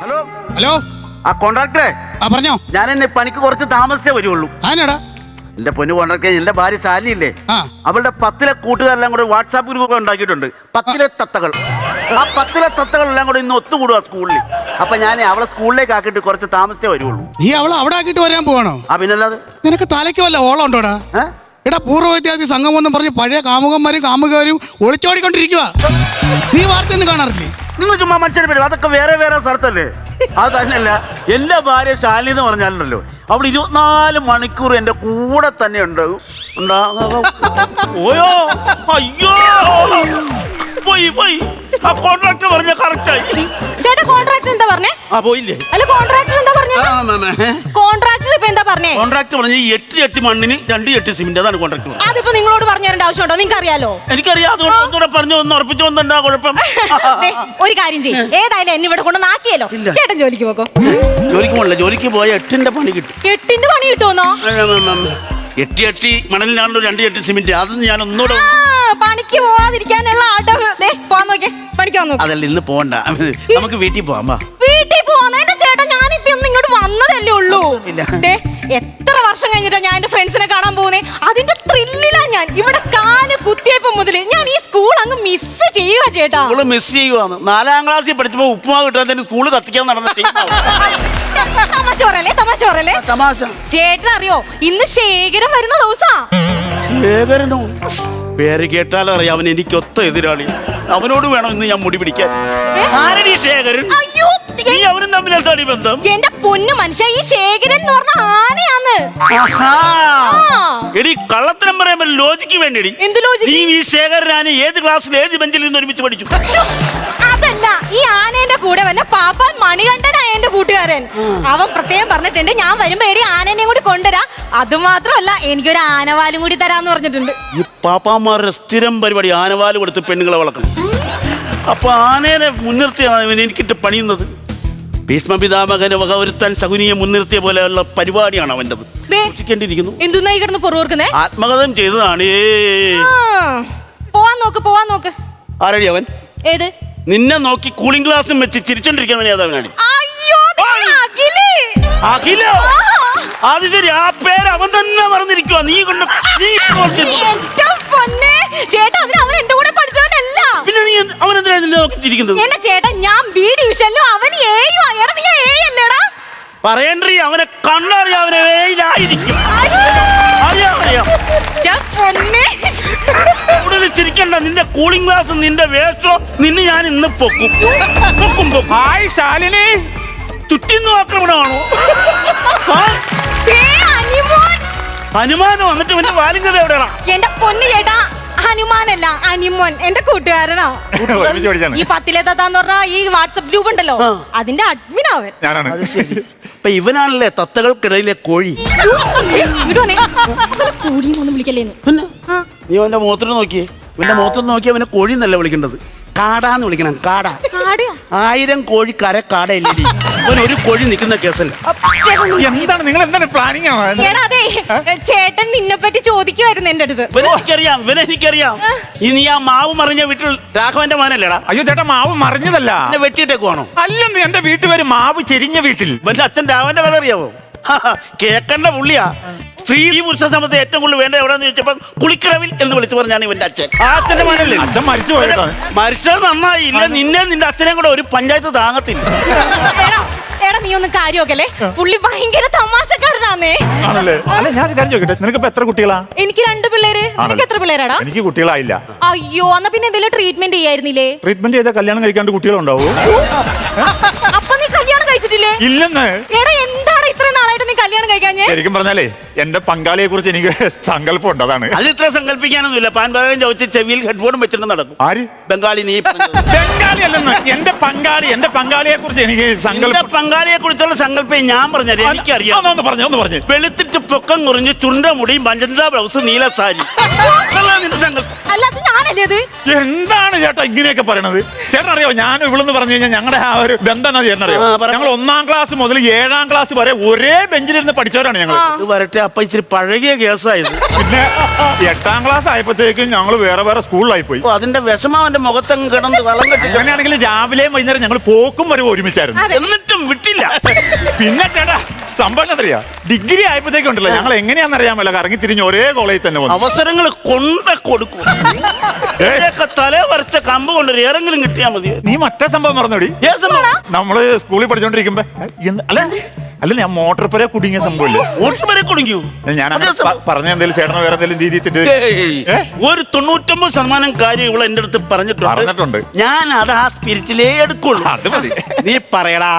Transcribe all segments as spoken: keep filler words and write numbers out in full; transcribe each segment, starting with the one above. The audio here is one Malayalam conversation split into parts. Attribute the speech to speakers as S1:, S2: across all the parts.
S1: ഹലോ
S2: ഹലോ
S1: ആ കോൺട്രാക്ടറെ
S2: ആ പറഞ്ഞോ.
S1: ഞാൻ ഇന്ന് പണിക്ക് കുറച്ച് താമസിച്ചേ വരുള്ളൂ.
S2: ആനാടാ
S1: എന്റെ പൊന്നു കോൺട്രാക്ടറെ, എന്റെ ഭാര്യ ശാലിനില്ലേ,
S2: ആ
S1: അവളുടെ പത്തിലെ കൂട്ടുകാരെല്ലാം കൂടെ വാട്സാപ്പ് ഗ്രൂപ്പ് ഉണ്ടാക്കിയിട്ടുണ്ട്. പത്തിലെ തത്തകൾ. ആ പത്തിലെ തത്തകളെല്ലാം കൂടെ ഇന്ന് ഒത്തുകൂടുക സ്കൂളിൽ. അപ്പൊ ഞാൻ അവളെ സ്കൂളിലേക്ക് ആക്കിയിട്ട് കുറച്ച് താമസിച്ചേ വരുള്ളൂ.
S2: നീ അവളെ അവിടെ ആക്കിയിട്ട് വരാൻ പോവാണോ?
S1: ആ പിന്നല്ലാതെ.
S2: നിനക്ക് തലയ്ക്ക് വല്ല ഓളം ഉണ്ടോടാ?
S1: ഏ?
S2: എടാ പൂർവ്വ വിദ്യാർത്ഥി സംഘം എന്നും പറഞ്ഞ് പഴയ കാമുകന്മാരും കാമുകരും ഒളിച്ചോടിക്കൊണ്ടിരിക്കുക. നീ വാർത്ത ഒന്നും കാണാറില്ലേ?
S1: നിങ്ങൾ ചുമ്മാ മനുഷ്യരെ പേര്, അതൊക്കെ വേറെ വേറെ സ്ഥലത്തല്ലേ. അത് തന്നെയല്ല, എന്റെ ഭാര്യ ശാലിനി എന്ന് പറഞ്ഞാലുണ്ടല്ലോ, അവിടെ ഇരുപത്തിനാല് മണിക്കൂർ എന്റെ കൂടെ തന്നെ ഉണ്ട്. ഓയോ അയ്യോ പോയി പോയി ആ കോൺട്രാക്ടർ പറഞ്ഞ കറക്റ്റായി.
S3: ചേട്ടാ കോൺട്രാക്ടർ എന്താ പറഞ്ഞേ?
S1: ആ പോയില്ലേ?
S3: അല്ല കോൺട്രാക്ടർ എന്താ പറഞ്ഞേ? കോൺട്രാക്ടർ ഇപ്പൊ എന്താ പറഞ്ഞേ?
S1: കോൺട്രാക്ടർ പറഞ്ഞ എട്ട് എട്ട് മണ്ണിന് രണ്ട് എട്ട് സിമെന്റ്, അതാണ് കോൺട്രാക്ടർ പറഞ്ഞത്.
S3: അതിപ്പോ നിങ്ങളോട് പറഞ്ഞു തരേണ്ട ആവശ്യമുണ്ടോ? നിങ്ങൾക്ക് അറിയാലോ.
S1: എനിക്കറിയാം, അതുകൊണ്ട് ഒന്നുകൂടെ പറഞ്ഞു ഒന്ന് ഉറപ്പിച്ചു വന്നെന്താ കുഴപ്പം?
S3: ദേ, ഒരു കാര്യം ചെയ്യും, ഏതായാലും എന്നെ ഇവിടെ കൊണ്ട് നാക്കിയല്ലോ. ചേട്ടൻ ജോലിക്ക് പോക്കോ.
S1: ജോലിക്ക് പോകണില്ല, ജോലിക്ക് പോയ എട്ടിന്റെ പണി കിട്ടും.
S3: എട്ടിന്റെ പണി കിട്ടുമെന്നോ?
S1: എട്ടി എട്ടി മണലിനാണല്ലോ രണ്ട് എട്ട് സിമെന്റ്. അത് ഞാൻ ഒന്നുകൂടെ
S3: പണിക്ക് പോവാതിരിക്കാനുള്ള ആട്ടം. ദേ, പോവാൻ നോക്കിയേ, പണിക്ക് പോവാൻ നോക്കി.
S1: അതല്ല, ഇന്ന് പോകണ്ട, നമുക്ക് വീട്ടിൽ പോവാം. വാ.
S3: വീട്ടിൽ പോവാന്നെ ചേട്ടാ, ഞാനിപ്പോ ഒന്ന് ഇങ്ങോട്ട് വന്നതല്ലേ ഉള്ളൂ. ദേ, എത്ര വർഷം കഴിഞ്ഞിട്ടാ ഞാൻ എന്റെ ഫ്രണ്ട്സിനെ കാണാൻ പോകുന്നേ. അതിന്റെ ത്രില്ലിലാ ഞാൻ. ഇവിടെ കാല് കുത്തിയപ്പോ മുതല് ഞാൻ ഈ സ്കൂൾ അങ്ങ് മിസ് ചെയ്യുക ചേട്ടാ.
S1: സ്കൂള് മിസ് ചെയ്യുവാണ്. നാലാം ക്ലാസ്സിൽ പഠിച്ചപ്പോ ഉപ്പുമാവ് കിട്ടാൻ സ്കൂള് കത്തിക്കാൻ നടന്ന
S3: തമാശ പറയല്ലേ, തമാശ പറയല്ലേ.
S1: തമാശ.
S3: ചേട്ടൻ അറിയോ, ഇന്ന് ശേഖരം വരുന്ന ദിവസാ.
S1: ശേഖരനോ? പേര് കേട്ടാലോ അറിയാം, അവൻ എനിക്ക് ഒത്ത എതിരാളി. അവനോട് വേണം ഇന്ന് ഞാൻ മുടി പിടിക്കാൻ. ആരടി ശേഖരൻ?
S3: അയ്യോ,
S1: നീ അവനും തമ്മിൽ എന്താണ് ബന്ധം?
S3: എന്റെ പൊന്നു മനുഷ്യ, ഈ ശേഖരൻ എന്ന് പറഞ്ഞ ആനയാന്ന്.
S1: എടി കള്ളത്തരം പറയുമ്പോ ലോജിക്ക് വേണ്ടി.
S3: എന്ത് ലോജിക്ക്?
S1: നീ ഈ ശേഖരനാണ് ഏത് ക്ലാസ്സിൽ ഏത് ബെഞ്ചിൽ നിന്ന് ഒരുമിച്ച് പഠിച്ചു?
S3: അതല്ല, ഈ ആനേന്റെ കൂടെ വന്ന പാപ്പാൻ മണികണ്ഠനായ എന്റെ കൂട്ടുകാരൻ. അവൻ പ്രത്യേകം പറഞ്ഞിട്ടുണ്ട്, ഞാൻ വരുമ്പോ എടി ആനേനെയും കൂടി കൊണ്ടുവരാ. അത് മാത്രമല്ല, എനിക്കൊരു ആനവാലും കൂടി തരാന്ന് പറഞ്ഞിട്ടുണ്ട്.
S1: ഈ പാപ്പാമാരുടെ സ്ഥിരം പരിപാടി ആനവാല് കൊടുത്ത് പെണ്ണുങ്ങളെ വളർത്തണം. അപ്പൊ ആനേനെ മുൻനിർത്തിയാണ് എനിക്കിട്ട് പണിയുന്നത്. ഭീഷ്മ പിതാമകന് വക ഒരുത്താൻ ശകുനിയെ മുൻനിർത്തിയ പോലെയുള്ള പരിപാടിയാണ് അവൻ്റെത്.
S3: എന്തുന്നായി കിടന്ന് പൊറുവർക്കുന്നേ?
S1: ആത്മകഥം ചെയ്തതാണ്.
S3: പോവാൻ നോക്ക്, പോവാൻ നോക്ക്.
S1: ആരടി അവൻ?
S3: ഏത്?
S1: നിന്നെ നോക്കി കൂളിംഗ് ഗ്ലാസും വെച്ച് ചിരിച്ചോണ്ടിരിക്കുന്നവൻ ഏതവനാണ്? അഖിലോ? അത് ശരി, ആ പേര് അവൻ തന്നെ മറന്നിരിക്കുക. നീ കൊണ്ട് നീ
S3: ചേട്ടാ, അതിന് അവൻ എന്റെ കൂടെ പഠിച്ചവനല്ല.
S1: പിന്നെ നീ അവൻ എന്തിനാ നിന്നെ നോക്കി ചിരിക്കുന്നത്?
S3: എന്നെ ചേട്ടാ, ഞാൻ ബി ഡിവിഷനിലും അവൻ ഏയുവാ. എടാ നീ ഏ അല്ലേടാ?
S1: പറയണ്ടേ, അവനെ കണ്ണറിയാം, അവനെ വേയിലായിരിക്കും. അറിയാം അറിയാം. കൂടുതൽ ചിരിക്കണ്ട. നിന്റെ കൂളിംഗ് ഗ്ലാസ്, നിന്റെ വേഷോ, നിന്നെ ഞാൻ ഇന്ന് പൊക്കും പൊക്കും പൊക്കും.
S4: ഹായ് ശാലിനി,
S1: ചുറ്റിന്ന് ആക്രമണമാണോ? ഹനുമാനോ? എന്നിട്ട് ഇവന്റെ വാലിംഗത എവിടെയാണോ?
S3: എന്റെ പൊന്നു ചേട്ടാ, ഹനുമാനല്ല, അനിമോൻ എന്റെ കൂട്ടുകാരനാ. ഈ പത്തിലെ തത്താന്ന് പറഞ്ഞ ഈ വാട്സപ്പ് ഗ്രൂപ്പ് ഉണ്ടല്ലോ, അതിന്റെ അഡ്മിൻ അവൻ.
S4: ഞാനാണ്.
S1: ഇപ്പൊ ഇവനാണല്ലേ തത്തകൾക്കിടയിലെ കോഴി.
S3: കോഴിയൊന്നും വിളിക്കല്ലേന്ന്.
S1: നീ അവന്റെ മുഖത്തോട് നോക്കിയേ. ഇവന്റെ മുഖത്തോട് നോക്കി അവനെ കോഴി എന്നല്ല വിളിക്കേണ്ടത്, കാടാന്ന് വിളിക്കണം. കാട. ആയിരം കോഴി കര കാടയില്ലേ? അവൻ ഒരു കോഴി നിൽക്കുന്ന കേസല്ല.
S4: എന്താണ് നിങ്ങൾ എന്താണ് പ്ലാനിങ്?
S3: അതെ, ചേട്ടൻ നിന്നെ പറ്റി ചോദിക്കുമായിരുന്നു എന്റെ അടുത്ത്.
S1: ഇവനെനിക്കറിയാം, ഇവനെനിക്കറിയാം. ഇനി ആ മാവ് മറിഞ്ഞ വീട്ടിൽ രാഘവന്റെ മോനല്ലേടാ?
S4: അയ്യോ ചേട്ടാ, മാവ് മറിഞ്ഞതല്ല,
S1: എന്നെ വെട്ടിയിട്ടേക്കുവാണോ?
S4: അല്ലെന്ന്, എന്റെ വീട്ടുപേര് മാവ് ചെരിഞ്ഞ വീട്ടിൽ.
S1: ഇവന്റെ അച്ഛൻ രാഘവന്റെ കഥ അറിയാവോ? കേക്കണ്ട പുള്ളിയാ. സ്ത്രീ പുരുഷ സമയത്ത് ഏറ്റവും കൂടുതൽ വേണ്ട എവിടെന്ന് ചോദിച്ചപ്പോ കുളിക്കടവിൽ എന്ന് വിളിച്ചു പറഞ്ഞാണ് ഇവന്റെ അച്ഛൻ. ആ അച്ഛന്റെ മോനല്ലേ?
S4: അച്ഛൻ മരിച്ചു പോയതാ.
S1: മരിച്ചത് നന്നായി. ഇല്ല, നിന്നെ നിന്റെ അച്ഛനെ കൂടെ ഒരു പഞ്ചായത്ത് താങ്ങത്തില്ല.
S3: എടാ നീ ഒന്ന് കാര്യമൊക്കെ, പുള്ളി ഭയങ്കര തമാശക്കാരനാന്നേ.
S4: ആണല്ലേ? അല്ല, ഞാൻ കാര്യം ചോദിക്കട്ടെ, നിനക്ക് എത്ര കുട്ടികളാ?
S3: എനിക്ക് രണ്ട് പിള്ളേര്. നിനക്ക് എത്ര പിള്ളേരാടാ?
S4: എനിക്ക് കുട്ടികളായില്ല.
S3: അയ്യോ, എന്നാ പിന്നെ എന്തെങ്കിലും ട്രീറ്റ്മെന്റ് ചെയ്യായിരുന്നില്ലേ?
S4: ട്രീറ്റ്മെന്റ് ചെയ്താൽ കല്യാണം കഴിക്കാണ്ട് കുട്ടികളുണ്ടാവോ?
S3: അപ്പൊ നീ കല്യാണം കഴിച്ചിട്ടില്ലേ?
S4: ഇല്ലെന്ന്.
S3: എടാ എന്താണ് ഇത്രയും നാളായിട്ട് നീ കല്യാണം കഴിക്കാഞ്ഞേ?
S4: ശരിക്കും പറഞ്ഞാലേ എന്റെ പങ്കാളിയെ കുറിച്ച് എനിക്ക് സങ്കല്പം ഉണ്ട്, അതാണ്.
S1: അത് ഇത്ര സങ്കല്പിക്കാനൊന്നുമില്ല. പാൻപാകം ചോദിച്ച് ചെവിയിൽ ഹെഡ്ഫോണും വെച്ചിട്ട് നടക്കും.
S4: ആര്?
S1: ബംഗാളി. നീ
S4: ബംഗാളി അല്ലെന്ന്, എന്റെ പങ്കാളി. എന്റെ പങ്കാളിയെ കുറിച്ച് എനിക്ക് സങ്കല്പം.
S1: പങ്കാളിയെ കുറിച്ചുള്ള സങ്കല്പം ഞാൻ പറഞ്ഞത് എനിക്കറിയാം.
S4: ഒന്ന് പറഞ്ഞു ഒന്ന് പറഞ്ഞു.
S1: വെളുത്തിട്ട് പൊക്കം കുറിഞ്ഞ് ചുണ്ട മുടി മജന്ത ബ്ലൗസ് നീല സാരി. നിന്റെ സങ്കല്പം
S3: അല്ലാതെ ഞാനല്ലേ അത്?
S4: എന്താണ് ചേട്ടാ ഇങ്ങനെയൊക്കെ പറയണത്? ചേട്ടൻ അറിയോ, ഞാൻ ഇവിടെന്ന് പറഞ്ഞു കഴിഞ്ഞാൽ ഞങ്ങളുടെ ആ ഒരു ബന്ധം ചേട്ടൻ അറിയോ? ഞങ്ങൾ ഒന്നാം ക്ലാസ് മുതൽ ഏഴാം ക്ലാസ് വരെ ഒരേ ബെഞ്ചിലിരുന്ന് പഠിച്ചവരാണ് ഞങ്ങൾ.
S1: വരട്ടെ, അപ്പൊ ഇച്ചിരി പഴകിയ കേസായത്.
S4: പിന്നെ എട്ടാം ക്ലാസ് ആയപ്പോഴത്തേക്കും ഞങ്ങൾ വേറെ വേറെ സ്കൂളിലായി പോയി.
S1: അപ്പൊ അതിന്റെ വിഷമം അവന്റെ മുഖത്തങ്ങ് കിടന്ന് വളം കെട്ടി.
S4: അങ്ങനെയാണെങ്കിൽ രാവിലെയും വൈകുന്നേരം ഞങ്ങൾ പോക്കും വരെ ഒരുമിച്ചായിരുന്നു.
S1: എന്നിട്ടും വിട്ടില്ല.
S4: പിന്നെ ചേട്ടാ സംഭവം എന്നറിയാ, ഡിഗ്രി ആയപ്പോഴത്തേക്കും ഉണ്ടല്ലോ ഞങ്ങൾ എങ്ങനെയാണെന്നറിയാമല്ല കറങ്ങി തിരിഞ്ഞ് ഒരേ കോളേജിൽ തന്നെ വന്നു.
S1: അവസരങ്ങൾ കൊണ്ട് കൊടുക്കും. തല വരച്ച കമ്പ് കൊണ്ട് ഏറെങ്കിലും കിട്ടിയാ മതി.
S4: നീ മറ്റേ സംഭവം മറന്നോടി. നമ്മള് സ്കൂളിൽ പഠിച്ചോണ്ടിരിക്കുമ്പോ എന്ത്- അല്ല അല്ല ഞാൻ മോട്ടോർ പുര കുടുങ്ങിയ സംഭവമില്ലേ?
S1: മോട്ടോർ പുര കുടുങ്ങിയോ?
S4: ഞാൻ പറഞ്ഞ എന്തെങ്കിലും ചേട്ടനോ വേറെ എന്തെങ്കിലും രീതി
S1: ഒരു തൊണ്ണൂറ്റൊമ്പത് ശതമാനം കാര്യം ഇവിടെ എന്റെ അടുത്ത് പറഞ്ഞിട്ടുണ്ട്
S4: പറഞ്ഞിട്ടുണ്ട്
S1: ഞാൻ അത് ആ സ്പിരിറ്റിലേ എടുക്കുള്ളൂ.
S4: അത് മതി.
S1: നീ പറയടാ.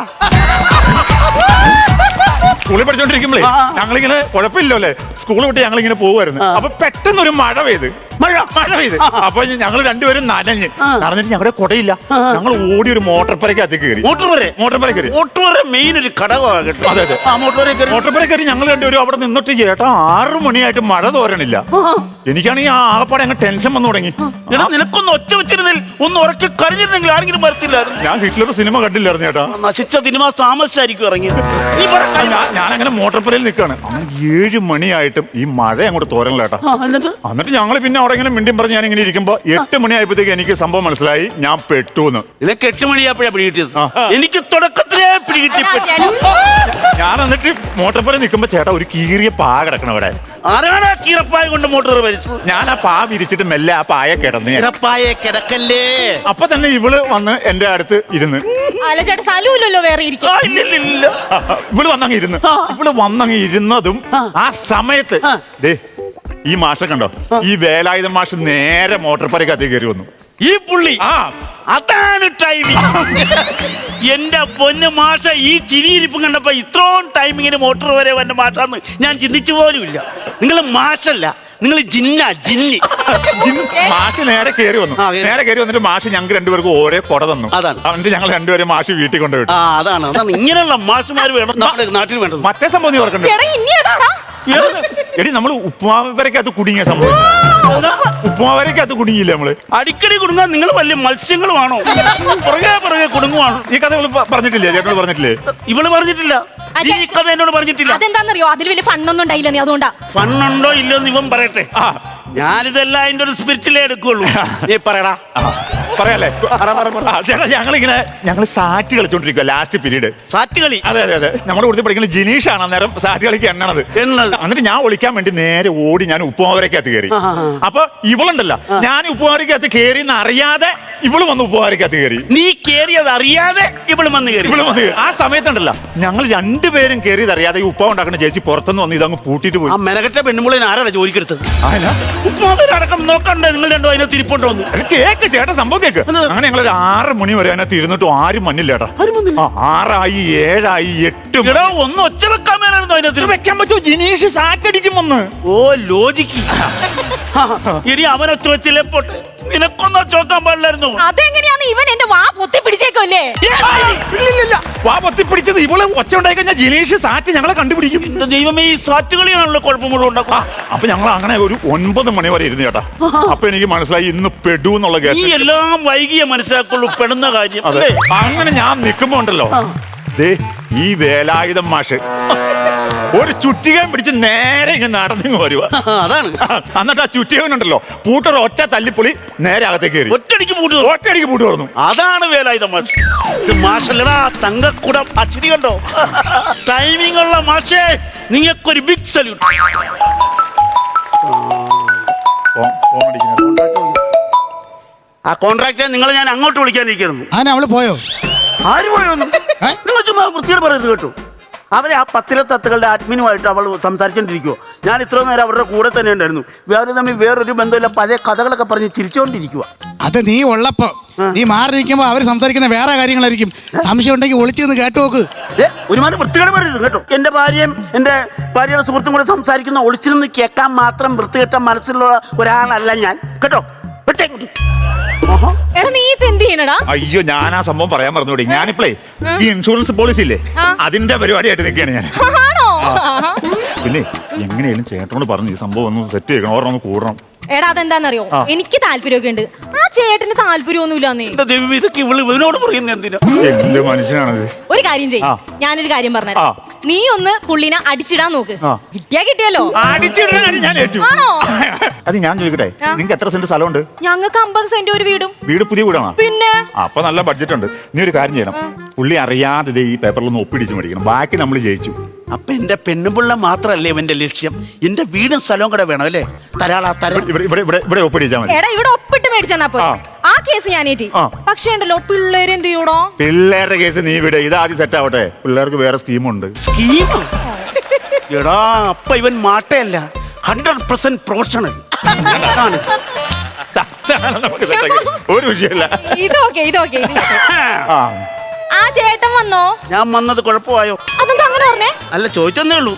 S4: സ്കൂളിൽ പഠിച്ചോണ്ടിരിക്കുമ്പോഴേ ഞങ്ങളിങ്ങനെ കുഴപ്പമില്ലോ അല്ലേ, സ്കൂൾ വിട്ട് ഞങ്ങളിങ്ങനെ പോകുമായിരുന്നു. അപ്പൊ പെട്ടെന്ന് ഒരു മഴ പെയ്ത് മഴ മഴ പെയ്ത് അപ്പൊ ഞങ്ങൾ രണ്ടുപേരും നനഞ്ഞ് നടന്നിട്ട് ഞങ്ങളുടെ കുടയില്ല. ഞങ്ങൾ ഓടി ഒരു മോട്ടോർ പുരക്കകത്ത് കയറി.
S1: മോട്ടോർ പുര
S4: മോട്ടോർ പുര കയറി.
S1: മോട്ടോർ മെയിൻ ഒരു ഘടകമാണ് കേട്ടോ.
S4: അതെ അതെ. മോട്ടോർ പുര കയറി ഞങ്ങൾ രണ്ടുപേരും അവിടെ നിന്നിട്ട് ചേട്ടാ ആറു മണിയായിട്ട് മഴ തോരണില്ല. എനിക്കാണെങ്കിൽ ആ ആകപ്പാടെ അങ്ങ് ടെൻഷൻ വന്നു തുടങ്ങി.
S1: നിനക്കൊന്ന് ഒച്ച വെച്ചിരുന്നിൽ ഒന്ന് ഉറക്കി കരഞ്ഞിരുന്നെങ്കിൽ ആരെങ്കിലും വരത്തില്ലായിരുന്നു.
S4: ഞാൻ ഹിറ്റ്ലർ സിനിമ കണ്ടില്ലായിരുന്നു ചേട്ടാ.
S1: നശിച്ച സിനിമ താമസിച്ചായിരിക്കും ഇറങ്ങിയത്.
S4: ഞാൻ അങ്ങനെ മോട്ടോർ പുരയിൽ നിൽക്കാണ്. അങ്ങനെ ഏഴ് മണിയായിട്ടും ഈ മഴ അങ്ങോട്ട് തോരണില്ല ചേട്ടാ. എന്നിട്ട് ഞങ്ങൾ പിന്നെ അവിടെ ഇങ്ങനെ മിണ്ടിയും പറഞ്ഞ് ഞാൻ ഇങ്ങനെ ഇരിക്കുമ്പോ എട്ട് മണിയായപ്പോഴത്തേക്ക് എനിക്ക് സംഭവം മനസ്സിലായി ഞാൻ പെട്ടൂന്ന്.
S1: നിനക്ക് എട്ട് മണിയാപ്പോഴാ പിടികിട്ടിയത്. എനിക്ക് തുടക്കത്തിലേ പിടികിട്ടി.
S4: ഞാൻ എന്നിട്ട് മോട്ടോർ പുര നിൽക്കുമ്പോ ചേട്ടാ ഒരു കീറിയ പാ കിടക്കണം അവിടെ.
S1: ആരാണ് ആ കീറപ്പായ കൊണ്ട് മോട്ടോർ വലിച്ചത്?
S4: ഞാൻ ആ പാ വിരിച്ചിട്ട് മെല്ലെ ആ പായ കിടന്ന്
S1: കീറപ്പായ കിടക്കല്ലേ.
S4: അപ്പൊ തന്നെ ഇവള് വന്ന് എന്റെ അടുത്ത് ഇരുന്ന്.
S3: വേറെ
S4: ഇവള് വന്നങ്ങ് ഇരുന്ന് ഇവള് വന്നങ്ങ് ഇരുന്നതും ആ സമയത്ത് ദേ ഈ മാഷ കണ്ടോ, ഈ വേലായുധ മാഷ് നേരെ മോട്ടോർ പുരക്കകത്ത് കയറി വന്നു.
S1: ഈ പുള്ളി
S4: ആ
S1: അതാണ് ടൈമിങ്. എന്റെ പൊന്ന് മാഷ ഈ ചിരിയിരിപ്പും കണ്ടപ്പോ ഇത്രയും ടൈമിങ്ങിന് മോട്ടോർ വരെ വന്ന മാഷാന്ന് ഞാൻ ചിന്തിച്ചു പോലുമില്ല. നിങ്ങൾ മാഷല്ല, നിങ്ങൾ ജിന്ന ജിന്നി.
S4: മാഷ് നേരെ കയറി വന്നു. നേരെ കയറി വന്നിട്ട് മാഷ് ഞങ്ങൾക്ക് രണ്ടുപേർക്കും ഓരോ കൊട തന്നു.
S1: അതാണ്
S4: എന്നിട്ട് ഞങ്ങൾ രണ്ടുപേരും മാഷ് വീട്ടിൽ കൊണ്ടുപോയി.
S1: ആ അതാണ് അതാണ് ഇങ്ങനെയുള്ള മാഷുമാർ വേണം നമ്മുടെ നാട്ടിൽ വേണ്ടത്.
S4: മറ്റേ സംഭവം നീ ഓർക്കണ്ടേ? എടി നമ്മള് ഉപ്പുമാവരക്കകത്ത് കുടുങ്ങിയ സംഭവം. ഉപ്പുമാവരക്കകത്ത് കുടുങ്ങിയില്ലേ നമ്മള്?
S1: അടിക്കടി കുടുങ്ങാൻ നിങ്ങൾ വലിയ മത്സ്യങ്ങളുമാണോ? പുറകെ പുറകെ കുടുങ്ങുവാണോ?
S4: ഈ കഥ ഇവള് പറഞ്ഞിട്ടില്ലേ? ചേട്ടനോട് പറഞ്ഞിട്ടില്ലേ?
S1: ഇവള് പറഞ്ഞിട്ടില്ല. ഈ കഥ എന്നോട് പറഞ്ഞിട്ടില്ല.
S3: അതെന്താണെന്നറിയോ? അതിൽ വലിയ ഫണ്ണൊന്നും ഉണ്ടായില്ല. നീ അതുകൊണ്ടാ.
S1: ഫണ്ണുണ്ടോ ഇല്ലോ എന്ന് ഇവൻ പറയട്ടെ. ഞാനിതെല്ലാം അതിന്റെ ഒരു സ്പിരിറ്റിലേ എടുക്കുള്ളൂ. നീ പറയടാ.
S4: പറയാല്ലേ ചേട്ടാ, ഞങ്ങളിങ്ങനെ ഞങ്ങൾ സാറ്റ് കളിച്ചോണ്ടിരിക്കുക ലാസ്റ്റ് പീരീഡ്.
S1: സാറ്റ് കളി?
S4: അതെ അതെ അതെ. നമ്മുടെ കൂടുതൽ പഠിക്കുന്ന ജിനീഷാണ് അന്നേരം സാറ്റ് കളിക്ക് എണ്ണണത്. എന്നിട്ട് ഞാൻ ഒളിക്കാൻ വേണ്ടി നേരെ ഓടി ഞാൻ ഉപ്പുമാവരക്കകത്ത് കയറി. അപ്പൊ ഇവളുണ്ടല്ലോ, ഞാൻ ഉപ്പുമാവരക്കകത്ത് കയറി എന്ന് അറിയാതെ ഇവള് വന്ന് ഉപ്പുമാവരക്കകത്ത് കയറി.
S1: നീ കേറിയത് അറിയാതെ ഇവള് വന്ന് കയറി.
S4: ഇവള് വന്ന് ആ സമയത്തുണ്ടല്ലോ ഞങ്ങൾ രണ്ടുപേരും കയറിയത് അറിയാതെ ഈ ഉപ്പ ഉണ്ടാക്കുന്ന ചേച്ചി പുറത്തുനിന്ന് വന്ന് ഇതങ്ങ് പൂട്ടിട്ട് പോയി.
S1: ആ മെനകെട്ട പെണ്ണുമുള്ളിന് ആരാണ് ജോലിക്കെടുത്തത്? ഉപ്പുമാവരടക്കം നോക്കണ്ടേ നിങ്ങൾ രണ്ടോ അതിനകത്ത് ഇരിപ്പോണ്ട് വന്നു?
S4: കേക്ക് ചേട്ടാ, സംഭവം കേക്ക്. അങ്ങനെ ഞങ്ങൾ ഒരു ആറ് മണി വരെ അതിനകത്ത് ഇരുന്നിട്ടും ആരും മഞ്ഞില്ല ചേട്ടാ. ആറായി ഏഴായി എട്ടും.
S1: ഒന്ന് ഒച്ച വെക്കാൻ മേലായിരുന്നു അതിനകത്ത്.
S4: വെക്കാൻ പറ്റുമോ? ജിനീഷ് സാറ്റടിക്കും വന്ന്.
S1: ഓ ലോജിക്ക്. ഇനി അവൻ ഒച്ച വെച്ചില്ലേ പോട്ടെ, നിനക്കൊന്നും ഒച്ച വെക്കാൻ പാടില്ലായിരുന്നു.
S3: അതെങ്ങനെയാന്ന് ഇവൻ എന്റെ വാ പൊത്തി പിടിച്ചേക്കല്ലേ?
S4: വാ പൊത്തി പിടിച്ചത് ഇവള് ഒച്ച ഉണ്ടായി കഴിഞ്ഞാൽ ജിനീഷ് സാറ്റ് ഞങ്ങളെ കണ്ടുപിടിക്കും.
S1: എന്റെ ദൈവമേ, ഈ സാറ്റ് കളിയാണല്ലോ കുഴപ്പങ്ങളും ഉണ്ടാക്കുക.
S4: അപ്പൊ ഞങ്ങൾ അങ്ങനെ ഒരു ഒൻപത് മണി വരെ ഇരുന്നു ചേട്ടാ. അപ്പൊ എനിക്ക് മനസ്സിലായി ഇന്ന് പെടു എന്നുള്ള കേസ്.
S1: ഈ എല്ലാം വൈകിയ മനസ്സിലാക്കുള്ളൂ പെടുന്ന കാര്യം.
S4: അതെ. അങ്ങനെ ഞാൻ നിൽക്കുമ്പോ ഉണ്ടല്ലോ ദേ ഈ വേലായുധം മാഷ് ഒരു ചുറ്റികയും പിടിച്ച് നേരെ ഇങ്ങനെ നടന്നു വരുക.
S1: അതാണ്.
S4: എന്നിട്ട് ആ ചുറ്റികനുണ്ടല്ലോ പൂട്ടർ ഒറ്റ തല്ലിപ്പൊളി നേരെ അകത്തേക്ക് കയറി
S1: ഒറ്റടിക്ക് പൂട്ട്
S4: ഒറ്റയടിക്ക് പൂട്ട് തുറന്നു.
S1: അതാണ് വേലായുധ മാഷ്. ഇത് മാഷല്ലടാ, തങ്കക്കുടം. അച്ചിരി കണ്ടോ? ടൈമിംഗ് ഉള്ള മാഷേ, നിങ്ങൾക്കൊരു ബിഗ് സല്യൂട്ട്. ആ കോൺട്രാക്ടറെ നിങ്ങളെ ഞാൻ അങ്ങോട്ട് വിളിക്കാനിരിക്കുന്നു.
S2: അതിന് അവള് പോയോ?
S1: ആര് പോയൊന്നും നിങ്ങൾ ചുമ്മാ വൃത്തിയോട് പറയുന്നത് കേട്ടു. അവരെ ആ പത്തിലെ തത്തുകളുടെ അഡ്മിനുമായിട്ട് അവൾ സംസാരിച്ചോണ്ടിരിക്കുവോ. ഞാൻ ഇത്ര നേരം അവരുടെ കൂടെ തന്നെ ഉണ്ടായിരുന്നു. വേറെ തമ്മിൽ വേറൊരു ബന്ധമില്ല, പഴയ കഥകളൊക്കെ പറഞ്ഞ് ചിരിച്ചോണ്ടിരിക്കുക.
S2: അത് നീ ഉള്ളപ്പോ നീ മാറി നിൽക്കുമ്പോ അവര് സംസാരിക്കുന്ന വേറെ കാര്യങ്ങളായിരിക്കും. സംശയം ഉണ്ടെങ്കിൽ ഒളിച്ചു നിന്ന് കേട്ടു നോക്ക്.
S1: ഒരുമാതിരി വൃത്തികേട് പറയരുത് കേട്ടോ. എന്റെ ഭാര്യയും എന്റെ ഭാര്യയുടെ സുഹൃത്തും കൂടെ സംസാരിക്കുന്ന ഒളിച്ചു നിന്ന് കേൾക്കാൻ മാത്രം വൃത്തികെട്ട മനസ്സിലുള്ള ഒരാളല്ല ഞാൻ കേട്ടോ.
S4: അയ്യോ, ഞാൻ ആ സംഭവം പറയാൻ മറന്നുകൂടി. ഞാനിപ്പോഴേ ഈ ഇൻഷുറൻസ് പോളിസി ഇല്ലേ, അതിന്റെ പരിപാടിയായിട്ട് നിൽക്കുകയാണ് ഞാൻ. പിന്നെ എങ്ങനെയാലും ചേട്ടനോട് പറഞ്ഞു ഈ സംഭവം ഒന്ന് സെറ്റ് ചെയ്യണം, ഓർമ്മ ഒന്ന് കൂടണം.
S3: എടാ അതെന്താന്നറിയോ, എനിക്ക് താല്പര്യമൊക്കെ ഉണ്ട്, ആ ചേട്ടന് താല്പര്യമൊന്നുമില്ലാന്നേ.
S1: ഇതൊക്കെ ഇവള് ഇവനോട് പറയുന്നത് എന്തിനാ?
S4: എന്ത് മനുഷ്യനാണത്?
S3: ഒരു കാര്യം ചെയ്യും, ഞാനൊരു കാര്യം പറഞ്ഞുതരാം. നീ ഒന്ന് പുള്ളിനെ അടിച്ചിടാൻ നോക്ക്.
S4: ആ.
S3: കിട്ടിയാ കിട്ടിയല്ലോ.
S4: അടിച്ചിടാൻ ഞാൻ ഏറ്റു.
S3: ആണോ?
S4: അത് ഞാൻ ചോദിക്കട്ടെ,
S3: ആ.
S4: നിങ്ങൾക്ക് എത്ര സെന്റ് സ്ഥലമുണ്ട്?
S3: ഞങ്ങൾക്ക് അമ്പത് സെന്റ് ഒരു വീടും.
S4: വീട് പുതിയ വീടാണോ?
S3: പിന്നെ
S4: അപ്പൊ നല്ല ബഡ്ജറ്റ് ഉണ്ട്. നീ ഒരു കാര്യം ചെയ്യണം, പുള്ളി അറിയാതെ ദേ ഈ പേപ്പറിലൊന്ന് ഒപ്പിടിച്ച് മേടിക്കണം. ബാക്കി നമ്മൾ ജയിച്ചു.
S1: അപ്പൊ എന്റെ പെണ്ണുപിള്ള മാത്രല്ലേ ഇവന്റെ ലക്ഷ്യം? എന്റെ വീടും സ്ഥലവും കൂടെ വേണം അല്ലേ? തരാളാ തരാ.
S4: ഇവിടെ ഇവിടെ ഇവിടെ ഇവിടെ ഒപ്പിടിച്ചാൽ മതി.
S3: എടാ ഇവിടെ ഒപ്പിട്ട് മേടിച്ചെന്നാ പോ.
S4: ആ.
S3: ആ കേസ് ഞാൻ ഏറ്റി.
S4: ആ.
S3: പക്ഷേ ഉണ്ടല്ലോ പിള്ളേര് എന്ത് ചെയ്യൂടോ?
S4: പിള്ളേരുടെ കേസ് നീ ഇവിടെ ഇത് ആദ്യം സെറ്റ് ആവട്ടെ. പിള്ളേർക്ക് വേറെ സ്കീമുണ്ട്.
S1: സ്കീം? എടാ അപ്പൊ ഇവൻ മാട്ടയല്ല, ഹൺഡ്രഡ് പെർസെന്റ് പ്രൊഫഷണൽ.
S4: നമുക്ക് set ആക്കി. ഒരു വിഷയമില്ല.
S3: ഇതൊക്കെ ഇതൊക്കെ
S4: ആ
S3: ആ ചേട്ടൻ വന്നോ?
S1: ഞാൻ വന്നത് കുഴപ്പമായോ?
S3: അതെന്താ അങ്ങനെ പറഞ്ഞേ?
S1: അല്ല, ചോദിച്ചെന്നേ ഉള്ളൂ.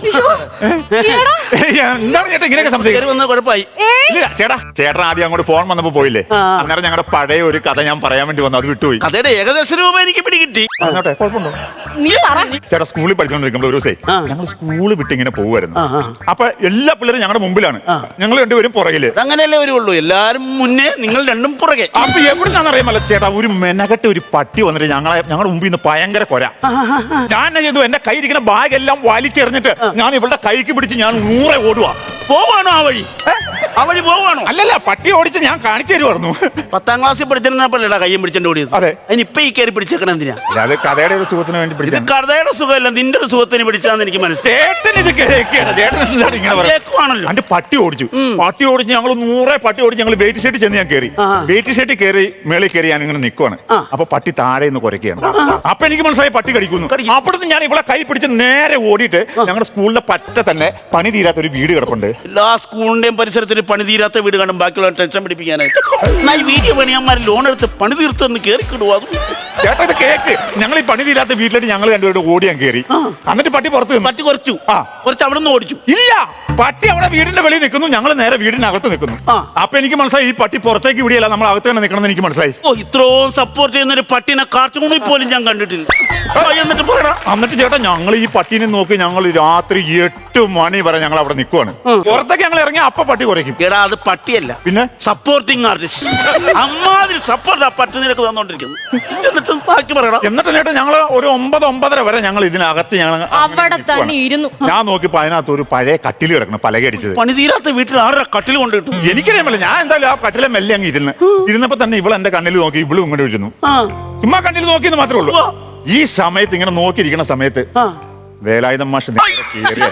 S3: ഈയെടാ.
S4: ഏയ്, എന്താണ് ചേട്ടാ ഇങ്ങനെയൊക്കെ
S1: കയറി
S4: സംശയം?
S1: വന്നത് കുഴപ്പമായി.
S3: ഏയ്,
S4: ഇല്ല ചേട്ടാ, ചേട്ടൻ ആദ്യം അങ്ങോട്ട് ഫോൺ വന്നപ്പോ പോയില്ലേ,
S1: ആ.
S4: അന്നേരം ഞങ്ങളുടെ പഴയ ഒരു കഥ ഞാൻ പറയാൻ വേണ്ടി വന്നു, അത് വിട്ടുപോയി.
S1: കഥയുടെ ഏകദേശ രൂപ എനിക്ക് പിടികിട്ടി.
S4: അങ്ങോട്ടെ കുഴപ്പമുണ്ടോ?
S3: നീ പറ.
S4: ചേട്ടാ സ്കൂളിൽ പഠിച്ചുകൊണ്ടിരിക്കുമ്പോൾ ഒരു ദിവസേ
S1: ആ.
S4: ഞങ്ങൾ സ്കൂള് വിട്ട് ഇങ്ങനെ പോകുമായിരുന്നു.
S1: ആ, ആ.
S4: അപ്പൊ എല്ലാ പിള്ളേരും ഞങ്ങളുടെ മുമ്പിലാണ്,
S1: ആ.
S4: ഞങ്ങൾ രണ്ടുപേരും പുറകില്.
S1: അങ്ങനെയല്ലേ വരുള്ളൂ, എല്ലാരും മുന്നേ, നിങ്ങൾ രണ്ടും പുറകെ.
S4: അപ്പൊ എവിടുന്നാന്ന് അറിയാമല്ല ചേട്ടാ, ഒരു മെനകെട്ട് ഒരു പട്ടി വന്നിട്ട് ഞങ്ങളെ ഞങ്ങളുടെ മുമ്പിൽ നിന്ന് ഭയങ്കര കൊര. ഞാൻ എന്നാ ചെയ്തു, എന്റെ കൈ ഇരിക്കുന്ന ബാഗ് എല്ലാം വലിച്ചെറിഞ്ഞിട്ട് ഞാൻ ഇവളുടെ കൈക്ക് പിടിച്ച് ഞാൻ നൂറെ ഓടുവാ.
S1: പോവാണോ ആ വഴി? ആ വഴി പോവാണോ?
S4: അല്ലല്ല, പട്ടി ഓടിച്ച് ഞാൻ കാണിച്ചു തരുമായിരുന്നു.
S1: പത്താം ക്ലാസ്സിൽ പഠിച്ചിരുന്നപ്പോഴേടാ കയ്യും പിടിച്ചോണ്ട് ഓടിയത്.
S4: അതെ.
S1: അതിനിപ്പൊ ഈ കയറി പിടിച്ചേക്കണ എന്തിനാ?
S4: അത് കഥയുടെ ഒരു സുഖത്തിന് വേണ്ടി
S1: ഇത്
S4: പിടിച്ചത്.
S1: കഥയുടെ സുഖമല്ല, നിന്റെ ഒരു സുഖത്തിന് പിടിച്ചാന്ന് എനിക്ക് മനസ്സിലായി.
S4: ചേട്ടൻ ഇത് കേൾക്കുകയാണ്. ചേട്ടൻ എന്താണ് ഇങ്ങനെ പറയുന്നത്?
S1: കേൾക്കുവാണല്ലോ.
S4: അന്റെ പട്ടി ഓടിച്ചു, പട്ടി ഓടിച്ച് ഞങ്ങൾ നൂറെ പട്ടി ഓടിച്ച് ഞങ്ങൾ വെയിറ്റ് ഷെഡ് ചെന്ന് ഞാൻ കയറി.
S1: ആ.
S4: വെയിറ്റ് ഷെഡ് കയറി മേളിൽ കയറി ഞാൻ ഇങ്ങനെ നിൽക്കുവാണ്.
S1: ആ.
S4: അപ്പൊ പട്ടി താഴെ നിന്ന് കുരയ്ക്കുകയാണ്. അപ്പൊ എനിക്ക് മനസ്സിലായി പട്ടി കടിക്കുന്നു.
S1: കടിക്കും.
S4: അവിടുന്ന് ഞാൻ ഇവിടെ കൈ പിടിച്ച് നേരെ ഓടിയിട്ട് ഞങ്ങളുടെ സ്കൂളിന്റെ പറ്റ തന്നെ പണി തീരാത്ത ഒരു വീട് കിടപ്പുണ്ട്.
S1: എല്ലാ സ്കൂളിന്റെയും പരിസരത്തിൽ പണി തീരാത്ത വീട് കാണും, ബാക്കിയുള്ള ടെൻഷൻ പിടിപ്പിക്കാനായിട്ട്. എന്നാ ഈ വീഡിയോ പണിയന്മാർ ലോൺ എടുത്ത് പണി തീർത്തെന്ന് കയറിക്കിടുവോ? അതും
S4: ചേട്ടാ ഇത് കേക്ക്, ഞങ്ങൾ ഈ പണി തീരാത്ത വീട്ടിലേക്ക് ഞങ്ങൾ രണ്ടുപേരും ഓടി ഞാൻ കയറി. എന്നിട്ട് പട്ടി പുറത്ത് നിന്നു.
S1: പറ്റി കുറച്ചു.
S4: ആ.
S1: കുറച്ച് അവിടെ നിന്ന് ഓടിച്ചു.
S4: ഇല്ല, പട്ടി അവിടെ വീടിന്റെ വെളിയിൽ നിൽക്കുന്നു, ഞങ്ങൾ നേരെ വീടിനകത്ത് നിൽക്കുന്നു.
S1: ആ.
S4: അപ്പൊ എനിക്ക് മനസ്സിലായി ഈ പട്ടി പുറത്തേക്ക് വിടിയല്ല, നമ്മൾ അകത്ത് തന്നെ നിൽക്കണം എന്ന് എനിക്ക് മനസ്സിലായി.
S1: ഓ, ഇത്രയും സപ്പോർട്ട് ചെയ്യുന്ന ഒരു പട്ടിനെ കാർട്ടൂണിൽ പോലും ഞാൻ കണ്ടിട്ടില്ല. ആ, എന്നിട്ട് പറയടാ.
S4: എന്നിട്ട് ചേട്ടാ ഞങ്ങൾ ഈ പട്ടീനെ നോക്കി ഞങ്ങൾ രാത്രി എട്ട് മണി വരെ ഞങ്ങൾ അവിടെ നിൽക്കുവാണ്. പുറത്തേക്ക് ഞങ്ങൾ ഇറങ്ങി അപ്പൊ പട്ടി കുറയ്ക്കും.
S1: എടാ അത് പട്ടിയല്ല,
S4: പിന്നെ
S1: സപ്പോർട്ടിങ് ആർട്ടിസ്റ്റ്. അമ്മാതിരി സപ്പോർട്ട് ആ പട്ടി നിനക്ക് തന്നോണ്ടിരിക്കുന്നു. എന്നിട്ട് ബാക്കി പറയടാ.
S4: എന്നിട്ട് ചേട്ടാ ഞങ്ങൾ ഒരു ഒമ്പത് ഒമ്പതര വരെ ഞങ്ങൾ ഇതിനകത്ത് ഞങ്ങൾ
S3: അവിടെ തന്നെ ഇരുന്നു.
S4: ഞാൻ നോക്കിയപ്പോ അതിനകത്ത് ഒരു പഴയ കട്ടിൽ കിടക്കണം, പലകടിച്ചത്.
S1: പണി തീരാത്ത വീട്ടിൽ ആരുടെ കട്ടിൽ കൊണ്ട് കിട്ടും?
S4: എനിക്കറിയാമല്ലോ, ഞാൻ എന്തായാലും ആ കട്ടിലെ മെല്ലെ അങ്ങ് ഇരുന്ന് ഇരുന്നപ്പോ തന്നെ ഇവൾ എന്റെ കണ്ണിൽ നോക്കി, ഇവളും ഇങ്ങോട്ട് ഇരുന്നു.
S1: ആ,
S4: ചുമ്മാ കണ്ണിൽ നോക്കിയെന്ന് മാത്രമേ ഉള്ളൂ.
S1: ആ.
S4: ഈ സമയത്ത് ഇങ്ങനെ നോക്കിയിരിക്കുന്ന സമയത്ത്
S1: ആ.
S4: വേലായുധം മാഷ് നേരെ കേറിയ.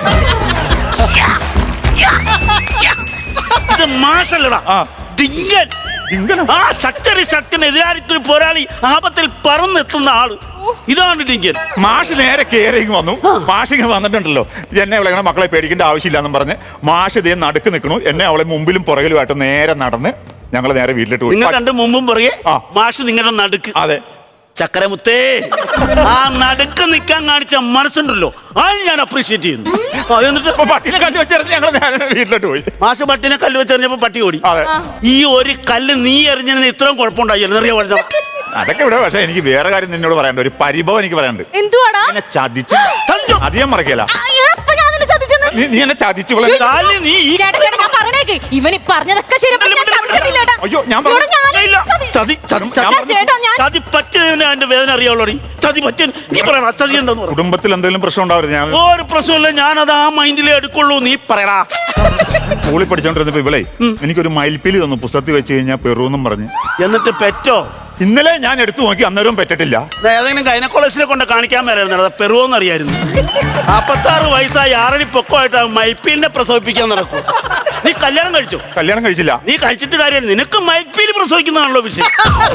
S1: ഇത് മാഷല്ലടാ,
S4: ആ.
S1: ഡിങ്കൻ.
S4: ഇങ്ങനെ
S1: ആ ശക്തരി ശക്തന് എതിരാളിക്കൊരു പോരാളി ആപത്തിൽ പറന്നെത്തുന്ന ആള്, ഇതാണ് ഡിങ്കൻ.
S4: മാഷ് നേരെ കേറിങ് വന്നു. മാഷ് ഇങ്ങനെ വന്നിട്ടുണ്ടല്ലോ, എന്നെ അവളെ ഇങ്ങനെ മക്കളെ പേടിക്കേണ്ട ആവശ്യമില്ലാന്നും പറഞ്ഞ് മാഷ് ഇതേ നടുക്ക് നിൽക്കണു. എന്നെ അവളെ മുമ്പിലും പുറകിലുമായിട്ട് നേരെ നടന്ന് ഞങ്ങൾ നേരെ വീട്ടിലിട്ട് പോയി.
S1: നിങ്ങൾ കണ്ട് മുമ്പും പറയേ
S4: ആ.
S1: മാഷ് നിങ്ങളുടെ നടുക്ക്.
S4: അതെ.
S1: ചക്കരമുത്തേ, ആ നടുക്ക് നിൽക്കാൻ കാണിച്ച മനസ്സുണ്ടല്ലോ, അത് ഞാൻ അപ്രീഷിയേറ്റ് ചെയ്യുന്നു. ആ, എന്നിട്ട്
S4: അപ്പൊ പട്ടിനെ കല്ല് വെച്ചെറിഞ്ഞ് ഞങ്ങൾ നേരെ വീട്ടിലോട്ട് പോയി.
S1: മാഷ് പട്ടിനെ കല്ല് വെച്ചെറിഞ്ഞപ്പോ പട്ടി ഓടി.
S4: അതെ.
S1: ഈ ഒരു കല്ല് നീ എറിഞ്ഞതിന് ഇത്രയും കുഴപ്പമുണ്ടായി എന്നറിയാ പറഞ്ഞ.
S4: അതൊക്കെ ഇവിടെ. പക്ഷെ എനിക്ക് വേറെ കാര്യം നിന്നോട് പറയാനുണ്ട്, ഒരു പരിഭവം എനിക്ക് പറയാനുണ്ട്.
S3: എന്തുവാടാ?
S4: എന്നെ ചതിച്ചു.
S1: ചതിച്ചോ?
S4: അധികം മറക്കില്ല.
S3: ആ, എടപ്പ ഞാൻ നിന്നെ ചതിച്ചെന്ന്.
S4: നീ നീ എന്നെ ചതിച്ചു. ഇവളെ
S1: കാലിൽ നീ ഈ
S3: ചേട്ടാ ചേട്ടാ ഞാൻ പറഞ്ഞേക്ക്, ഇവന് പറഞ്ഞതൊക്കെ ശരി. പക്ഷെ ഞാൻ ചതിച്ചിട്ടില്ല ഏട്ടാ.
S4: അയ്യോ, ഞാൻ പറഞ്ഞു.
S3: ഇവിടെ ഞാൻ
S1: ഇല്ല.
S3: ചതി-
S1: ചതി ചതി
S3: ഞാൻ
S1: ചതി
S3: ചേട്ടാ ഞാൻ
S1: ചതി പറ്റിയതിന് അതിന്റെ വേദന അറിയാവുള്ളൂ. ചതി പറ്റിയ നീ പറയണ ചതി എന്താന്ന് പറ.
S4: കുടുംബത്തിൽ എന്തെങ്കിലും പ്രശ്നം ഉണ്ടാവരുത്. ഞാൻ
S1: ഒരു പ്രശ്നമില്ല, ഞാനത് ആ മൈൻഡിലേ എടുക്കുള്ളൂ. നീ പറയടാ.
S4: സ്കൂളിൽ പഠിച്ചോണ്ടിരുന്നപ്പോ ഇവളെ എനിക്കൊരു മയിൽപ്പീലി തന്നു, പുസ്തകത്തിൽ വെച്ച് കഴിഞ്ഞാൽ പെറുവെന്നും പറഞ്ഞ്.
S1: എന്നിട്ട് പെറ്റോ?
S4: ഇന്നലെ ഞാൻ എടുത്തു നോക്കി, അന്നേരവും പറ്റിട്ടില്ല.
S1: ഇത് ഏതെങ്കിലും ഗൈനക്കോളജിനെ കൊണ്ട് കാണിക്കാൻ മേലായിരുന്നു, പെറുവോന്ന് അറിയായിരുന്നു. നാപ്പത്താറ് വയസ്സായി ആറടി പൊക്കമായിട്ട് മൈപ്പീലിനെ പ്രസവിപ്പിക്കാൻ നടക്കും. നീ കല്യാണം കഴിച്ചു?
S4: കല്യാണം കഴിച്ചില്ല.
S1: നീ കഴിച്ചിട്ട് കാര്യം, നിനക്ക് മൈപ്പീല് പ്രസവിക്കുന്നതാണല്ലോ വിഷയം.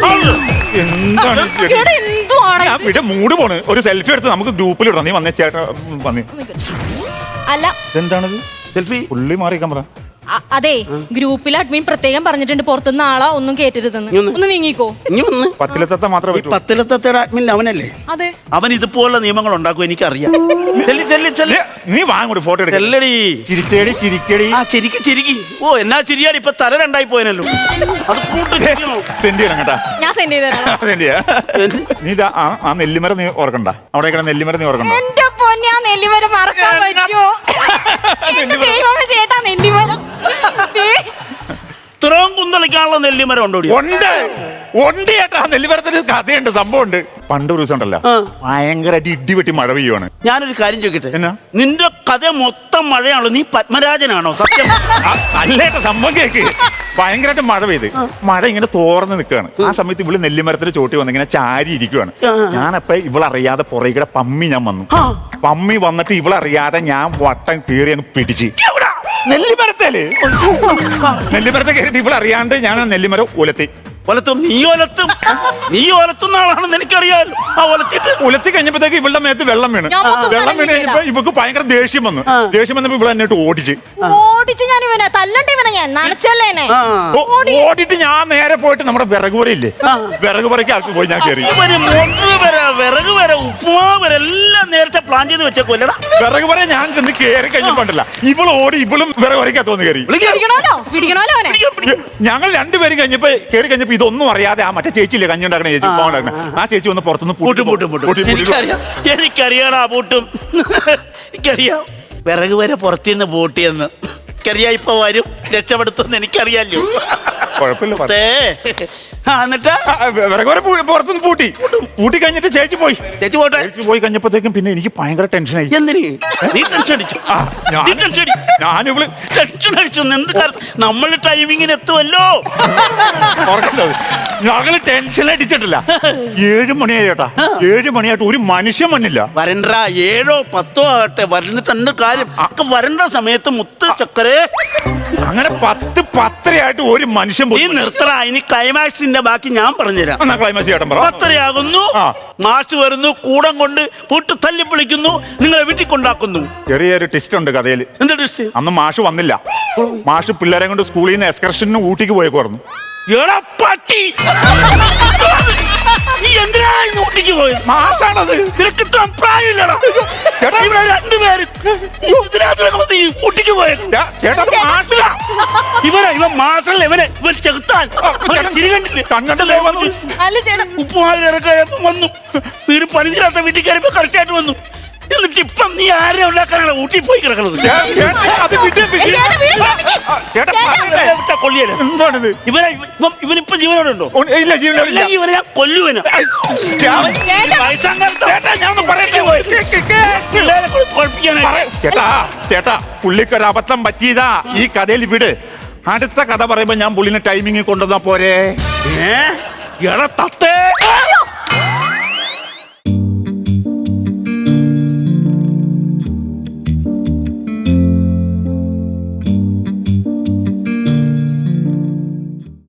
S4: എന്താണ് ഈ ചെടി?
S3: ഇവിടെ എന്തുവാണ്
S4: ഞാൻ
S3: ഇത്?
S4: ഇവിടെ മൂട് പോണ്. ഒരു സെൽഫി എടുത്ത് നമുക്ക് ഗ്രൂപ്പിൽ ഇടാം. നീ വന്നേ ചേട്ടാ വന്നേ.
S3: അല്ല
S4: എന്താണത്?
S1: സെൽഫി
S4: പുള്ളി മാറിക്കാൻ പറ.
S3: അ- അതെ, ഗ്രൂപ്പിൽ അഡ്മിൻ പ്രത്യേകം പറഞ്ഞിട്ടുണ്ട് പുറത്തുനിന്ന് ആളെ ഒന്നും കേറ്റരുതെന്ന്.
S1: നീ ഒന്ന്
S3: ഒന്ന് നീങ്ങിക്കോ.
S1: ഇനി വന്ന്
S4: പത്തിലെത്തത്തെ മാത്രമേ
S1: ഈ
S4: പറ്റൂ.
S1: പത്തിലത്തയുടെ അഡ്മിൻ അവനല്ലേ?
S3: അതെ.
S1: അവൻ ഇതുപോലുള്ള നിയമങ്ങൾ ഉണ്ടാക്കും, എനിക്കറിയാം. ചെല്ലി ചെല്ലി ചെല്ലി
S4: നീ- നീ വാങ്ങോട്ട് ഫോട്ടോ എടുക്ക.
S1: ചെല്ലടി.
S4: ചിരിച്ചേടി ചിരിക്കടി.
S1: ആ ചിരിക്കി ചിരിക്കി. ഓ എന്നാ ചിരിയാടി, ഇപ്പൊ തല രണ്ടായി പോയനല്ലോ. അത് കൂട്ട് ചിരിക്കണോ?
S4: സെന്റ് ചെയ്യണം കേട്ടാ.
S3: ഞാൻ സെൻഡ് ചെയ്തരാം.
S4: സെന്റ് ചെയ്യാ. നീ ഇതാ ആ ആ നെല്ലിമര നീ ഓർക്കണ്ട. അവിടെ നെല്ലിമര നീ ഓർക്കണ്ട.
S3: എന്റെ പൊന്നാ, നെല്ലിമരം മറക്കാൻ പറ്റുമോ? എന്റെ ദൈവമേ ചേട്ടാ, നെല്ലിമരം. ദേ,
S1: ഇത്രയും കുന്തളിക്കാനുള്ള നെല്ലിമരം ഉണ്ടോ ഇവിടെ?
S4: ഉണ്ട് ഉണ്ട് ചേട്ടാ. നെല്ലിമരത്തിന് കഥയുണ്ട്, സംഭവമുണ്ട്. പണ്ട് ഒരു ദിവസം ഉണ്ടല്ലോ,
S1: ആ.
S4: ഭയങ്കരമായിട്ട് ഇടി വെട്ടി മഴ പെയ്യുവാണ്.
S1: ഞാനൊരു കാര്യം ചോദിക്കട്ടെ,
S4: എന്നാ?
S1: നിന്റെ കഥ മൊത്തം മഴയാണല്ലോ, നീ പത്മരാജനാണോ? സത്യം
S4: ആ, അല്ലേട്ടാ, സംഭവം കേക്ക്. ഭയങ്കരമായിട്ട് മഴ പെയ്ത് മഴ ഇങ്ങനെ തോർന്ന് നിൽക്കുകയാണ്. ആ സമയത്ത് ഇവള് നെല്ലിമരത്തിന് ചോട്ടി വന്ന് ഇങ്ങനെ ചാരി ഇരിക്കുവാണ്. ഞാനപ്പ ഇവളറിയാതെ പുറകെ പമ്മി ഞാൻ വന്നു. പമ്മി വന്നിട്ട് ഇവളറിയാതെ ഞാൻ വട്ടം കീറി അങ്ങ് പിടിച്ച് നെല്ലിമരത്തേല് നെല്ലിമരത്തെ കയറിയിട്ട് ഇവളറിയാണ്ട് ഞാൻ ആ നെല്ലിമരം ഉലത്തി.
S1: ഒലത്തും നീ ഒലത്തും നീ ഒലത്തുന്ന ആളാണെന്ന് എനിക്കറിയാലോ. ആ ഒലത്തിട്ട്
S4: ഉലത്തി കഴിഞ്ഞപ്പോഴത്തേക്ക് ഇവളുടെ മേത്ത് വെള്ളം വീണ്.
S3: ഞാൻ മൊത്തം
S4: വെള്ളം വീണ് കഴിഞ്ഞപ്പോ ഇവക്ക് ഭയങ്കര ദേഷ്യം വന്നു. ദേഷ്യം വന്നപ്പോ ഇവളെ എന്നിട്ട് ഓടിച്ച്
S3: ഓടിച്ച് ഞാൻ ഇവനെ തല്ലണ്ട ഇവനെ ഞാൻ നനച്ചല്ലേനെ.
S1: ആ.
S4: ഓ- ഓടിയിട്ട് ഞാൻ നേരെ പോയിട്ട് നമ്മുടെ വിറക് പുരയില്ലേ, വിറക് പുരയ്ക്ക് ആൾക്ക് പോയി ഞാൻ കയറി.
S1: ഇവര് മോട്ടർ വരെ വിറക് വരെ ഉപ്പുമാവ് വരെ എല്ലാം നേരത്തെ പ്ലാൻ ചെയ്ത് വെച്ചേക്കൊല്ലടാ.
S4: വിറക് പുര ഞാൻ ചെന്ന് കയറി കഴിഞ്ഞപ്പോണ്ടല്ല ഇവള് ഓടി ഇവളും വിറക് പുരയ്ക്കകത്ത് വന്ന് കയറി.
S3: പിടിക്കണോലോ പിടിക്കണോലോ അവനെ.
S4: ഞങ്ങൾ രണ്ടുപേരും കഴിഞ്ഞപ്പോ കയറി കഴിഞ്ഞപ്പോ ഇതൊന്നും അറിയാതെ ആ മറ്റേ ചേച്ചിയില്ലേ കഞ്ഞി ഉണ്ടാക്കണ ചേച്ചി, പാവം ഉണ്ടാക്കണ ആ ചേച്ചി വന്ന് പുറത്തുനിന്ന്
S1: പൂട്ടും പൂട്ടും പൂട്ടും എനിക്കറിയാം എനിക്കറിയാടാ പൂട്ടും. എനിക്കറിയാം വിറക് വരെ പുറത്തുനിന്ന് പൂട്ടിയെന്ന്. എനിക്കറിയാം ഇപ്പൊ വരും രക്ഷപ്പെടുത്തുമെന്ന് എനിക്കറിയാലോ.
S4: കുഴപ്പമില്ല. പറ.
S1: ദേ, ആ, എന്നിട്ട്
S4: ആ, വിറക് പുര പൂ- പുറത്തുനിന്ന് പൂട്ടി പൂട്ടി കഴിഞ്ഞിട്ട് ചേച്ചി പോയി.
S1: ചേച്ചി പോട്ടെ.
S4: ചേച്ചി പോയി കഴിഞ്ഞപ്പോഴത്തേക്കും പിന്നെ എനിക്ക് ഭയങ്കര ടെൻഷനായി.
S1: എന്തിന് നീ ടെൻഷൻ അടിച്ചു?
S4: ആ, ഞാൻ-
S1: നീ ടെൻഷൻ അടി
S4: ഞാനിവള്
S1: ടെൻഷൻ അടിച്ചു എന്ത് കാര്യം നമ്മൾ ടൈമിങ്ങിന് എത്തുമല്ലോ.
S4: ഓർക്കണ്ടോ, ഞങ്ങള് ടെൻഷൻ അടിച്ചിട്ടില്ല. ഏഴ് മണിയായി ചേട്ടാ, ഏഴ് മണിയായിട്ട് ഒരു മനുഷ്യൻ വന്നില്ല.
S1: വരണ്ട ഏഴോ പത്തോ ആകട്ടെ വരുന്നിട്ട് എന്ത് കാര്യം ഒക്കെ വരണ്ട സമയത്ത് മുത്ത് ചക്കരേ
S4: അങ്ങനെ പത്ത് പത്തരയായിട്ട് ഒരു മനുഷ്യൻ
S1: നീ
S4: പോയി.
S1: നിർത്തറ. ഇനി ക്ലൈമാക്സിന്റെ ബാക്കി ഞാൻ പറഞ്ഞുതരാം.
S4: എന്നാ ക്ലൈമാക്സ് ചേട്ടൻ പറ.
S1: പത്തരയാകുന്നു,
S4: ആ.
S1: മാഷ് വരുന്നു, കൂടം കൊണ്ട് പൂട്ട് തല്ലി വിളിക്കുന്നു, നിങ്ങളെ വീട്ടിൽ കൊണ്ടാക്കുന്നു.
S4: ചെറിയൊരു ടെസ്റ്റ് ഉണ്ട് കഥയിൽ.
S1: എന്താ ഡിഷ്?
S4: അന്ന് മാഷ് വന്നില്ല. മാഷ് പിള്ളേരെ കൊണ്ട് സ്കൂളിൽ നിന്ന് എക്സ്കർഷന് ഊട്ടിക്ക് പോയേക്കുവായിരുന്നു.
S1: എടാ പട്ടി, നീ എന്തിനാ ഇന്ന് ഊട്ടിക്ക് പോയത്?
S4: മാഷാണത്.
S1: നിനക്ക് ഇത്ര പ്രായമില്ലടാ.
S4: ചേട്ടാ,
S1: ഇവിടെ രണ്ടുപേരും ഇതിനകത്ത് നീ ഊട്ടിക്ക് പോയത്.
S4: ചേ- ചേട്ടാ അത് മാഷില്ല.
S1: ഇവനെ ഇവൻ മാസല്ല, ഇവനെ ഇവൻ ചെകുത്താൻ. അവനെ ചിരി കണ്ടില്ലേ?
S4: കണ്ണുകൊണ്ട് ദേ വന്നു.
S3: അല്ല ചേട്ടാ
S1: ഉപ്പുമാവിൽ ഇറക്കാൻ വന്നു. വീട് പണി തീരാത്ത വീട്ടിൽ കയറിയപ്പോ കറക്റ്റായിട്ട് വന്നു. എന്നിട്ട് ഇപ്പം നീ ആരെ ഉണ്ടാക്കാനാണ് ഊട്ടി പോയി കിടക്കുന്നത്?
S4: ചേ- ചേട്ടാ, അത് വിട്ട് വിട്ട്.
S3: ചേട്ടാ, വീട് കേൾപ്പിക്ക്.
S4: ആ, ചേട്ടാ,
S3: ചേട്ടാ,
S4: പറയട്ടെ.
S1: ഇവനെ വിട്ടാ കൊല്ലിയല്ല.
S4: എന്താണിത്?
S1: ഇവനെ ഇവൻ ഇവനിപ്പം ജീവനോടെ ഉണ്ടോ?
S4: ഉ- ഇല്ല, ജീവനില്ല.
S1: ഇല്ലെങ്കിൽ ഇവനെ ഞാൻ കൊല്ലുവന.
S4: ഞാൻ-
S3: ചേട്ടാ.
S4: ചേട്ടാ, ഞാൻ ഒന്ന് പറയട്ടെ.
S1: പിള്ളേരെ കൊ- കൊഴപ്പിക്കാനായി.
S4: പറ- ചേട്ടാ ചേട്ടാ പുള്ളിക്കൊരു അബദ്ധം പറ്റിയതാ. ഈ കഥയിൽ വിട്. അടുത്ത കഥ പറയുമ്പോ ഞാൻ പുള്ളിനെ ടൈമിങ് കൊണ്ടുവന്നാ പോരെ.
S1: ഏ? എടാ തത്തേ,